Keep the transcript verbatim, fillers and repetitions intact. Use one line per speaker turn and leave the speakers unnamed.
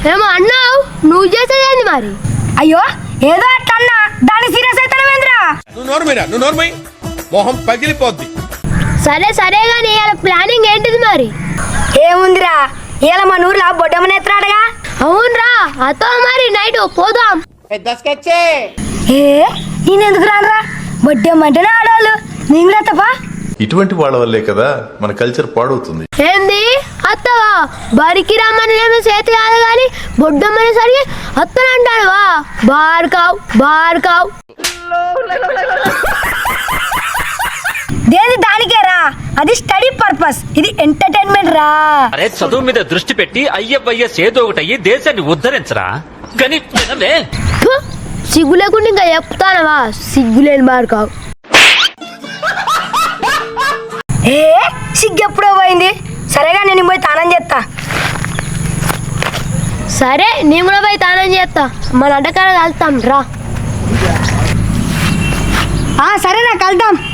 ఏమో అన్నావు, నువ్వు చేసేదేంది మరి?
అయ్యో ఏదో అట్లా అన్నా, దాన్ని సీరియస్ అవుతానవేంద్రా?
నువ్వు నోర్మైరా, నువ్వు నోర్మై, మొహం పగిలిపోద్ది.
సరే సరే గానీ ఇవాళ ప్లానింగ్ ఏంటిది మరి?
ఏముందిరా, ఇలా మన ఊర్లో బొడ్డమ్మని ఎత్తాడుగా.
అవునరా, అతో మరి నైట్ పోదాం.
ఏ నేను ఎందుకు రానరా? బొడ్డమ్మంటేనే ఆడవాళ్ళు, నేను కూడా తప్ప.
ఇటువంటి వాళ్ళ వల్లే కదా మన కల్చర్ పాడవుతుంది.
ఏంది అత్తవా? బరికి రమ్మని చేతి కాదు కానీ బొడ్డమ్మని సరికి అత్తనంటాడువా? బార్కావ్ బార్కావ్.
దేని దానికేరా, అది స్టడీ పర్పస్, ఇది ఎంటర్టైన్మెంట్ రా.
అరే చదువు మీద దృష్టి పెట్టి అయ్యవయ్య సేదో ఒకటయ్యి దేశాన్ని ఉద్ధరించరా. కానీ
ఫు, సిగ్గు లేకుండా ఇంకా చెప్తానవా? సిగ్గులేని బార్కావ్.
ఏ సిగ్గు ఎప్పుడో పోయింది. సరేగా నేను పోయి తానం చేస్తా.
సరే నేను కూడా పోయి తానం చేస్తా. మన అడ్డకాడ కలుతాం రా.
సరేనా కలుద్దాం.